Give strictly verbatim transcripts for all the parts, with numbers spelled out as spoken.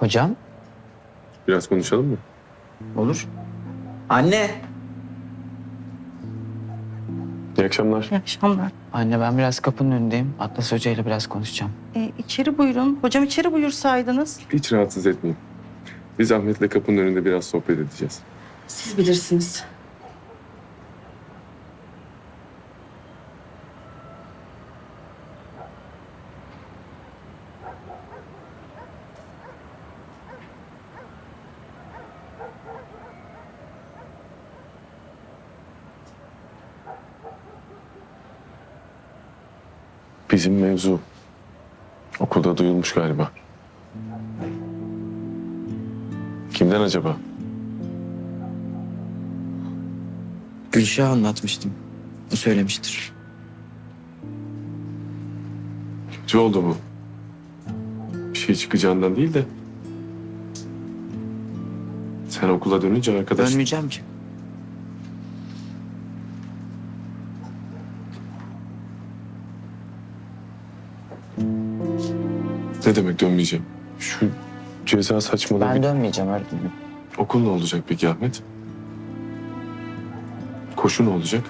Hocam, Biraz konuşalım mı? olur. Anne! İyi akşamlar. İyi akşamlar. Anne ben biraz kapının önündeyim. Atlas Hoca ile biraz konuşacağım. Ee, içeri buyurun. Hocam içeri buyursaydınız. Hiç rahatsız etmeyin. Biz Ahmet'le kapının önünde biraz sohbet edeceğiz. Siz bilirsiniz. Bizim mevzu okulda duyulmuş galiba. Kimden acaba? Gülşah'a anlatmıştım. O söylemiştir. Kötü oldu bu. Bir şey çıkacağından değil de. Sen okula dönünce arkadaş... Dönmeyeceğim ki. Ne demek dönmeyeceğim? Şu ceza saçmalığı... Ben bir- dönmeyeceğim öğretmenim. Okul ne olacak peki Ahmet? Koşu ne olacak?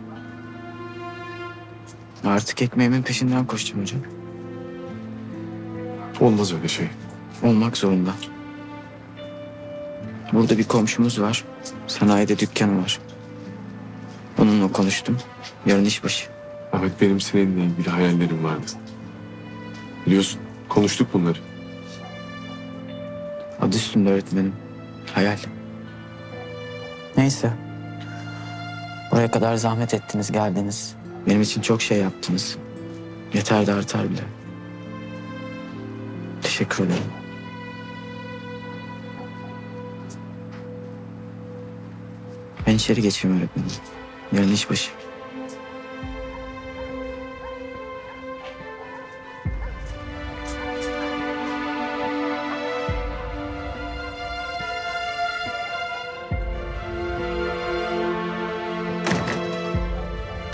Artık ekmeğimin peşinden koşacağım hocam. Olmaz öyle şey. Olmak zorunda. Burada bir komşumuz var. Sanayide dükkanı var. Onunla konuştum. Yarın işbaşı. Ahmet benim seninle ilgili hayallerim vardı. Biliyorsun konuştuk bunları. Adı üstünde öğretmenim. Hayal. Neyse. Buraya kadar zahmet ettiniz, geldiniz. Benim için çok şey yaptınız. Yeter de artar bile. Teşekkür ederim. Ben içeri geçeyim öğretmenim. Yarın işbaşı.